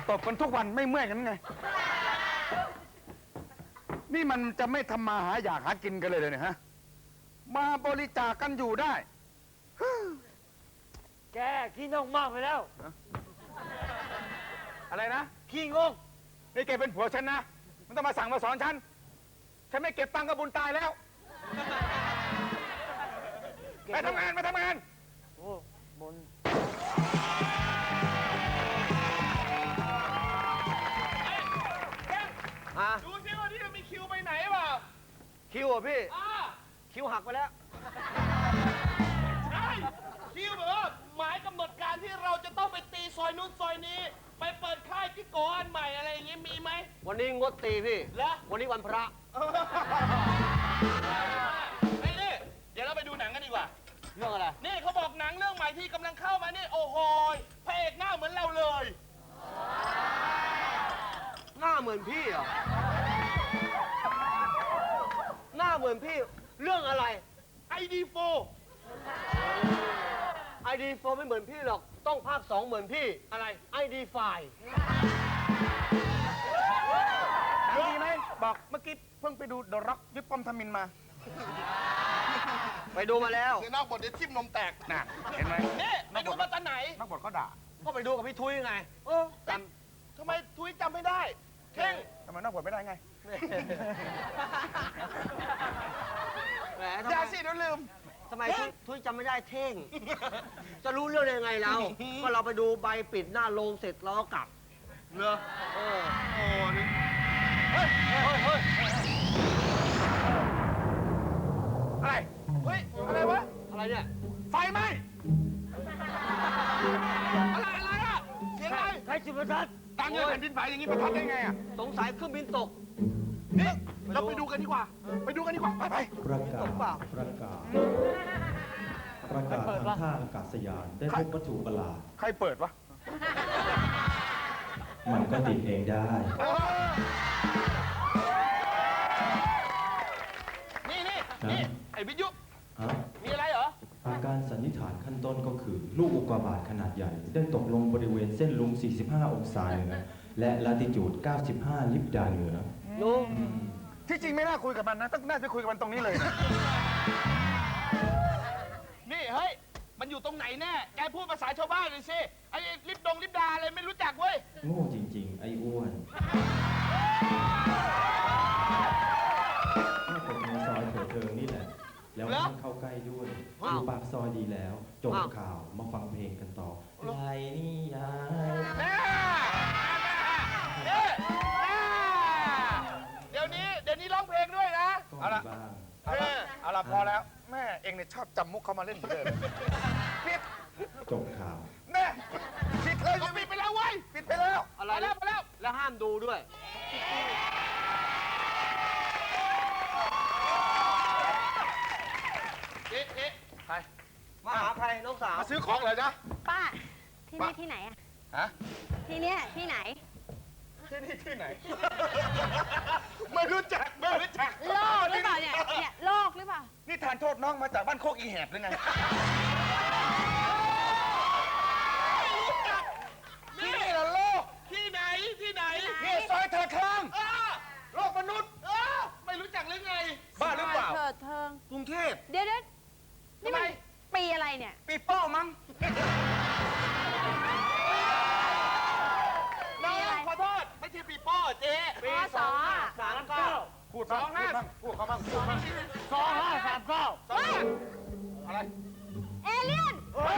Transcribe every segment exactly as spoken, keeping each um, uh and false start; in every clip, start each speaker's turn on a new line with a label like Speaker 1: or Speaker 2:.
Speaker 1: ตบกันทุกวันไม่เมื่อยกันไงนี่มันจะไม่ทำมาหาอยากหากินกันเลยเลยเนี่ยฮะมาบริจาคกันอยู่ได้
Speaker 2: แกขี้งกมากไปแล้ว
Speaker 1: อะไรนะ
Speaker 2: ขี้งก
Speaker 1: นี่แกเป็นผัวฉันนะมันต้องมาสั่งมาสอนฉันฉันไม่เก็บตังค์กับบุญตายแล้วไปทำงานไปทำงาน
Speaker 2: โอ้บุญ
Speaker 3: ดูสิว่าที่มีคิวไปไหนเปล่า
Speaker 2: คิวอ่ะพี่คิวหักไปแล้ว
Speaker 3: ใช่คิวแบบว่าหมายกำหนดการที่เราจะต้องไปตีซอยนู้นซอยนี้ไปเปิดค่ายที่โกอันใหม่อะไรอย่างงี้มีไหม
Speaker 2: วันนี้งดตีพี่
Speaker 3: แล้ว
Speaker 2: วันนี้วันพระ
Speaker 3: ไอ้นี่เดี๋ยวเราไปดูหนังกันดีกว่า
Speaker 2: เรื่องอะไร
Speaker 3: นี่เขาบอกหนังเรื่องใหม่ที่กำลังเข้ามานี่โอ้โหพระเอกหน้าเหมือนเราเลย
Speaker 2: หน้าเหมือนพี่เหรอหน้าเหมือนพี่เรื่องอะไร
Speaker 3: ไอ ดี โฟร์
Speaker 2: ไอ ดี โฟร์ ไม่เหมือนพี่หรอกต้องภาคสองเหมือนพี่
Speaker 3: อะไร
Speaker 2: ไอ ดี ไฟว์
Speaker 1: ดีไหมบอกเมื่อกี้เพิ่งไปดูเดอะร็อกวิปปอมทมินมา
Speaker 2: ไปดูมาแล้ว
Speaker 3: เสียนอกบทเดี๋ยวทิ่มนมแตก
Speaker 1: น่ะเห็นไหม
Speaker 3: นี่ไปดูมาตอนไหน
Speaker 1: นักบทเขาด่า
Speaker 2: ก็ไปดูกับพี่ทุยไง
Speaker 3: เออจำทำไมทุยจำไม่ได้เท่ง
Speaker 1: ทำไมนักบทไม่ได้ไง
Speaker 2: แหม
Speaker 3: อย่าสิเดี๋ยวลืม
Speaker 2: ทำไมทุยจำไม่ได้เท่งจะรู้เรื่องยังไงเราก็เราไปดูใบปิดหน้าโรงเสร็จแล้วก็กลับ
Speaker 3: เนอะ
Speaker 2: เออ
Speaker 3: โอ้นี่
Speaker 1: เฮ้ยเฮ้ยเฮ้ยอะไร
Speaker 3: เฮ้ยอะไรวะ
Speaker 2: อะไรเนี่ย
Speaker 1: ไฟไหม้
Speaker 3: อะไรอะไรอะเสียงอะไร
Speaker 2: ใครจุดประทัด
Speaker 1: ตั้งเงินแผ่นดินไหวอย่างนี้ประทัดได้ไงอ่ะ
Speaker 2: สงสัยเครื่องบินตก
Speaker 3: นี่เราไปดูกันดีกว่าไปดูกันดีกว่าไปไป
Speaker 4: ประกาศประกาศประกาศทางท่าอากาศยานได้พบวัตถุประหลาด
Speaker 1: ใครเปิดวะ
Speaker 4: มันก็ติดเองได้
Speaker 3: นี่นี่นี่ไอ้วิทยุมีอะไรเหรอ
Speaker 4: อาการสันนิษฐานขั้นต้นก็คือลูกอุกกาบาตขนาดใหญ่ได้ตกลงบริเวณเส้นลุงสี่สิบห้าองศาเหนือและลาติจูดเก้าสิบห้าลิบดาเหนือ
Speaker 2: ลุง
Speaker 1: ที่จริงไม่น่าคุยกับมันนะต้องน่าจะคุยกับมันตรงนี้เลย
Speaker 3: นี่เฮ้ยมันอยู่ตรงไหนแน่แกพูดภาษาชาวบ้านเลยสิไอ้ลิบดงลิบดาอะไรไม่รู้จักเว้ย
Speaker 4: โง่จริงๆไอ้อ้วนก็เป็นในซอยเถิดเทิงนี่แหละแล้วมันเข้าใกล้ด้วยอยู่ปากซอยดีแล้วจบข่าวมาฟังเพลงกันต่อไรนี่ยาย
Speaker 3: เดี๋ยวนี้เดี๋ยวนี้ร้องเพลงด้วยนะ
Speaker 1: เอาละเอาละเอาละพอแล้วแม่เองเนี่ยชอบจำมุกเขามาเล่นเลยปิด
Speaker 4: จบข่าว
Speaker 1: แม่ปิดเลย
Speaker 3: ปิดไปแล้วเว้ย
Speaker 1: ปิดไปแล้ว
Speaker 2: อะไรแล้วไปแล้วแล้วห้ามดูด้วย
Speaker 3: เอ๊ะเอ๊ะใคร
Speaker 2: มาหาใครน้องสาว
Speaker 1: มาซื้อของเหรอจ๊ะ
Speaker 5: ป้าที่นี่ที่ไหนอะ
Speaker 1: ฮะ
Speaker 5: ที่เนี้ยที่ไหน
Speaker 1: ที่นี่ที่ไหนไม่รู้จักไม่รู้จัก
Speaker 5: โลกหรือเปล่าเนี่ยเนี่ยโลกหรือเปล่า
Speaker 1: นี่ทานโทษน้องมาจากบ้านโคกอีแหบหรือไง
Speaker 3: ที่นี่เหรอโลกที่ไหนที่ไหน
Speaker 1: นี่ซอยเถิดเทิงโลกมนุษย์
Speaker 3: ไม่รู้จักหรือไง
Speaker 1: บ้าหรือเปล่า
Speaker 5: เถิดเทิง
Speaker 1: กรุงเทพ
Speaker 5: เดี๋ยวเดี๋ยวนี่มันปีอะไรเนี่ย
Speaker 1: ปีโป้มั้ง
Speaker 3: น้องขอโทษไม่ใช่ปีโป้เจ๊
Speaker 5: ปีสอง
Speaker 2: สามเก้า
Speaker 1: พูดสองห้าพูดเขาบ้างพูดบ้าง
Speaker 2: สองห้าสามเก้า
Speaker 1: อะไร
Speaker 5: เอเลี่ยนมา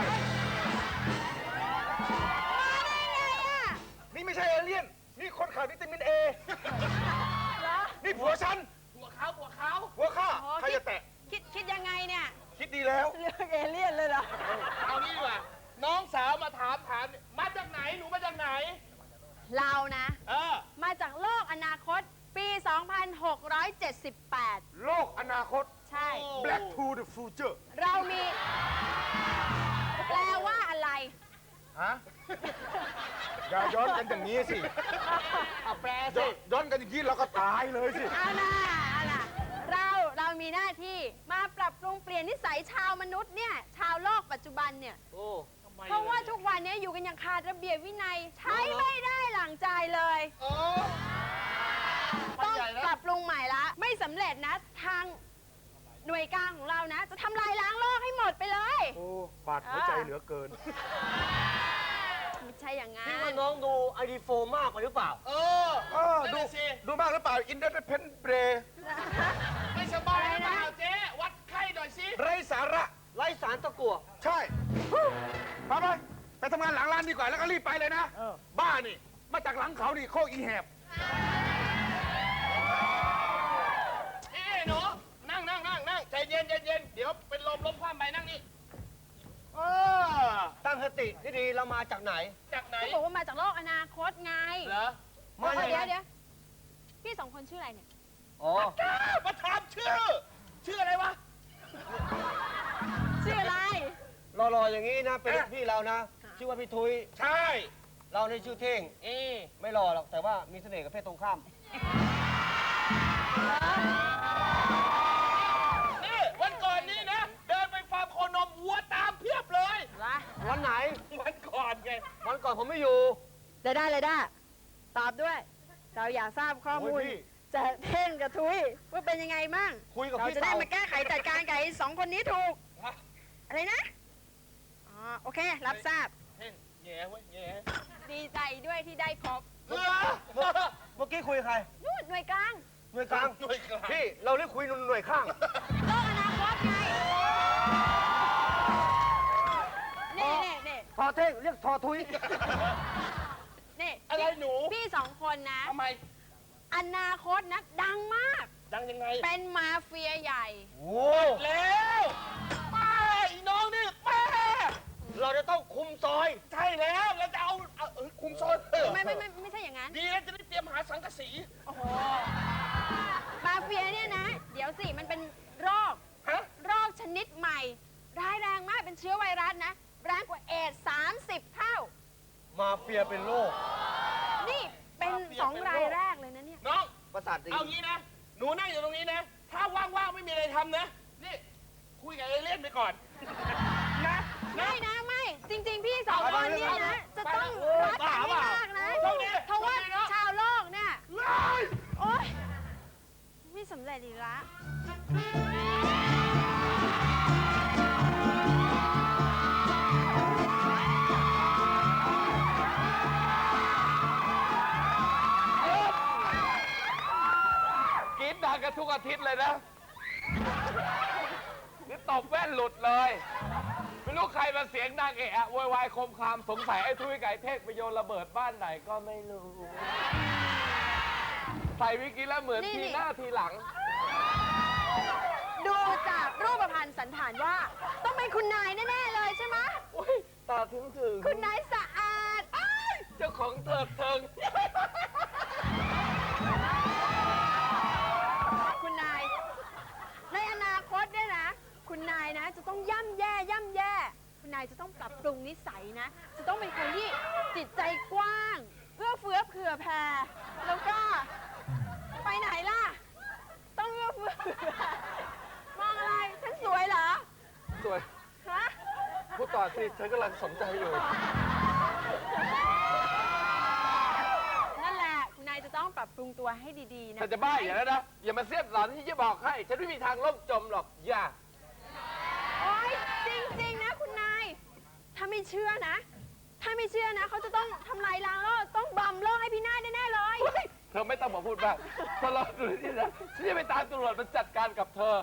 Speaker 5: ได้ไงอ่ะ
Speaker 1: นี่ไม่ใช่เอเลี่ยนนี่คนขาดวิตามินเอนี่ผัวฉัน
Speaker 3: ผัวเขาผัวเขา
Speaker 1: ผัวข้าใครจะแตะ
Speaker 5: คิดคิดยังไงเนี่ย
Speaker 1: คิดดีแล้ว
Speaker 5: เรื่องเอเลี่ยนเลยเหรอ
Speaker 3: เอานี่ดีกว่าน้องสาวมาถามถามมาจากไหนหนูมาจากไหน
Speaker 5: เรานะ
Speaker 3: เออ
Speaker 5: มาจากโลกอนาคตปีสองพันหกร้อยเจ็ดสิบแปด
Speaker 1: โลกอนาคต
Speaker 5: ใช่
Speaker 1: Black to the future
Speaker 5: เรามีแปลว่าอะไร
Speaker 1: ฮะอย่าย้อนกันอย่างนี้สิ
Speaker 2: เอาแปลสิ
Speaker 1: ย้อนกันอย่างนี้เราก็ตายเลยสิ
Speaker 5: เอาล่ะเอาล่ะเราเรามีหน้าที่มาปรับปรุงเปลี่ยนนิสัยชาวมนุษย์เนี่ยชาวโลกปัจจุบันเนี่ย
Speaker 2: โอ้
Speaker 3: ทำไม
Speaker 5: เพราะว่าทุกวันนี้อยู่กันอย่างขาดระเบียบวินัย ใช้ไม่ได้หลังใจเลย
Speaker 3: โอ้
Speaker 5: ต้องปรับปรุงใหม่ละ ไม่สำเร็จนะ ทางหน่วยกลางของเรานะ จะทำลายล้างโลกให้หมดไปเลย
Speaker 1: โอ้บาดหัวใจเหลือเกิน
Speaker 5: ไม่ใช่อย่างงั้
Speaker 2: พี่ว่าน น้องดูไอดีโฟมากไปหรือเปล่า
Speaker 3: เออ
Speaker 1: เออ
Speaker 3: นั่น
Speaker 1: ดู
Speaker 3: น่ะสิ
Speaker 1: ดูมากหรือเปล่า อินเด e เพนเบร
Speaker 3: ไม่สบายหรือเปล่าเจ๊วัดไข้หน่อยสิ
Speaker 1: ไรสาระ
Speaker 2: ไร้สารตะกั่ว
Speaker 1: ใช่ไปไปไปทำงานหลังร้านดีกว่า แล้วก็รีบไปเลยนะ บ้านี่ มาจากหลังเขานี่โคกอีแหบ
Speaker 3: เอ้หนูนั่งนั่งนั่งนั่งใจเย็นใจเย็นเดี๋ยวเป็นลมล้มคว่ำไปนั่งนี่เออ
Speaker 2: ตั้งสติที่ดีเรามาจากไหน
Speaker 3: จากไหน
Speaker 5: เขาบอกว่ามาจากโลกอนาคตไง
Speaker 3: เหรอ
Speaker 2: มา
Speaker 5: เดี๋
Speaker 2: จาก
Speaker 5: ยว
Speaker 2: ไหน
Speaker 5: เดี๋ยวพี่สองคนชื่ออะไรเนี่ย
Speaker 2: อ๋อ
Speaker 3: กล้ามาถามชื่อ ชื่ออะไรวะ
Speaker 5: ชื่ออะไร
Speaker 2: รอๆอย่างนี้นะ เป็นลูกพี่เรานะ ชื่อว่าพี่ทุย
Speaker 3: ใช่
Speaker 2: เราในชื่อเท่ง
Speaker 3: เอ๊ะ
Speaker 2: ไม่รอหรอก แต่ว่ามีเสน่ห์กับเพศตรงข้าม
Speaker 3: นี่วันก่อนนี่นะ เดินไปฟาร์มโคนมวัวตามเพียบเลย
Speaker 2: วันไหน
Speaker 3: วันก่อนไง
Speaker 2: วันก่อนผมไม่อยู่
Speaker 5: ได้ได้เลยได้ตอบด้วย เราอยากทราบข้อมูล
Speaker 2: โอ้ยพี่
Speaker 5: จะเท่งกับทุยว่าเป็นยังไงมั่ง
Speaker 2: คุยกับ
Speaker 5: เรา
Speaker 2: พี่
Speaker 5: จะได้
Speaker 2: เต่า
Speaker 5: มาแก้ไขจัดการกับไอ้สองคนนี้ถูก
Speaker 3: ฮะ
Speaker 5: อะไรนะ อ๋อ โอเค รับทราบ
Speaker 3: เฮ้ยแย่เว้ยแย่
Speaker 5: ดีใจด้วยที่ได้พบ
Speaker 3: เออ
Speaker 2: เมื่อกี้คุยกับใคร
Speaker 5: นู่นหน่วยกลาง
Speaker 2: หน่วยกลาง
Speaker 3: หน่วยกลาง
Speaker 2: พี่ เราเรียกคุยหน่วยข้าง
Speaker 5: โลกอนาคตไง นี่นี่นี่
Speaker 2: ทอเท่งเรียกทอทุย
Speaker 5: นี่
Speaker 3: อะไรหนู
Speaker 5: พี่สองคนนะ
Speaker 3: ทำไม
Speaker 5: อนาคตนะ ดังมาก
Speaker 3: ดังยังไง
Speaker 5: เป็นมาเฟียใหญ่
Speaker 2: โอ้
Speaker 3: แล้วป้าอีน้องนี่ป้า
Speaker 2: เราจะต้องคุมซอย
Speaker 3: ใช่แล้วเราจะเอาเอาเออคุมโซนเออ
Speaker 5: ไม่ไม่ไม่ไม่ใช่อย่างนั้น
Speaker 3: ดีแล้วจะได้เตรียมหาสังกะสี
Speaker 5: โอ้โห มาเฟียเนี่ยนะ เดี๋ยวสิ มันเป็นโรค
Speaker 3: ฮะ
Speaker 5: โรคชนิดใหม่ ร้ายแรงมาก เป็นเชื้อไวรัสนะ แรงกว่าเอดส์สามสิบเท่า
Speaker 2: มาเฟียเป็นโรค
Speaker 5: นี่เป็นสองรายแรกเลยนะเนี่ย
Speaker 3: น้อง
Speaker 2: ประสาทดี
Speaker 3: เอางี้นะ หนูนั่งอยู่ตรงนี้นะ ถ้าว่างๆไม่มีอะไรทำนะ นี่ คุยกับเอเลี่ยนไปก่อน นะนะ
Speaker 5: ไม่นะไม่ จริง ๆ พี่สองคนเนี่ยนะ จะต้องรักกันให้มากนะ
Speaker 3: โชคดี
Speaker 5: เพราะว่า
Speaker 3: โชคดีเนอะ
Speaker 5: ชาวโลกเนี่ย
Speaker 3: เฮ้ย
Speaker 5: โอ๊ย ไม่สำเร็จอีกละ
Speaker 6: กรีดดังกันทุกอาทิตย์เลยนะ นี่ตบแว่นหลุดเลย ไม่รู้ใครมาเสียงดังเอะอะโวยวายคมคามสงสัยไอ้ทุยไก่เทกไปโยนระเบิดบ้านไหนก็ไม่รู้ ใส่วิกิแล้วเหมือน
Speaker 5: นี่
Speaker 6: ที
Speaker 5: นี่
Speaker 6: หน้าทีหลัง
Speaker 5: ดูจากรูปพรรณสันฐานว่า ต้องเป็นคุณนายแน่ ๆ เลยใช่ไหม
Speaker 6: โอ้ย ตาถึงถึง
Speaker 5: คุณนายสะอาดอ้าย
Speaker 6: เจ้าของเถิดเทิง
Speaker 5: คุณนาย ในอนาคตเนี่ยนะ คุณนายนะ จะต้องย่ำแย่ย่ำแย่ คุณนายจะต้องปรับปรุงนิสัยนะ จะต้องเป็นคนที่จิตใจกว้าง เอื้อเฟื้อเผื่อแผ่ แล้วก็ ไปไหนล่ะ ต้องเอื้อเฟื้อเผื่อแผ่มองอะไร ฉันสวยเหรอ
Speaker 6: สวย
Speaker 5: ฮะ
Speaker 6: พูดต่อสิ ฉันกำลังสนใจอยู่
Speaker 5: นั่นแหละ คุณนายจะต้องปรับปรุงตัวให้ดีๆนะ
Speaker 6: แต่จะบ้าอย่างนั้นนะ อย่ามาเสียดหลอนที่จะบอกให้ ฉันไม่มีทางล่มจมหรอก อย่า
Speaker 5: โอ๊ย จริง ๆ นะคุณนาย ถ้าไม่เชื่อนะ ถ้าไม่เชื่อนะ เขาจะต้องทำลายล้างโลก ต้องบำโลกให้พี่นาฏแน่ ๆ เลย
Speaker 6: เธอไม่ต้องมาพูดบ้างถ้าเราดูนี่นะฉันจะไปตามตำรวจมาจัดการกับเธอ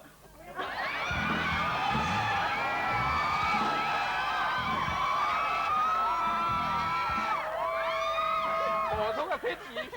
Speaker 6: โอ้โหทุกอาทิตย์อีก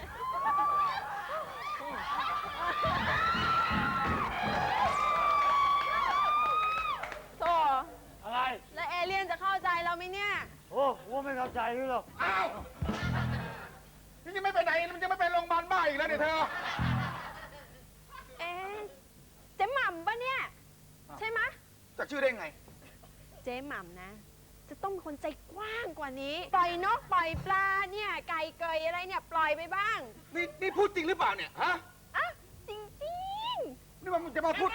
Speaker 5: โธ่
Speaker 3: อะไร
Speaker 5: แล้วเอเลี่ยนจะเข้าใจเราไหมเนี่ย
Speaker 2: โอ้ว่าไม่เข้าใจนี่หรอก
Speaker 1: อ้าวนี่ยังไม่ไปไหน มันจะไม่ไปโรงพยาบาลบ้าอีกแล้วเนี่ยเธอ
Speaker 5: เอ๊ะเจ๊หม่ำปะเนี่ย ใช่ไหมะ
Speaker 1: จากชื่อได้ไง
Speaker 5: เจ๊หม่ำนะ จะต้องเป็นคนใจกว้างกว่านี้ ปล่อยนกปล่อยปลาเนี่ย ไก่เกยอะไรเนี่ย ปล่อยไปบ้าง
Speaker 1: นี่นี่พูดจริงหรือเปล่าเนี่ย ฮะ
Speaker 5: อ่ะ จริง
Speaker 1: นี่มันจะมาพูด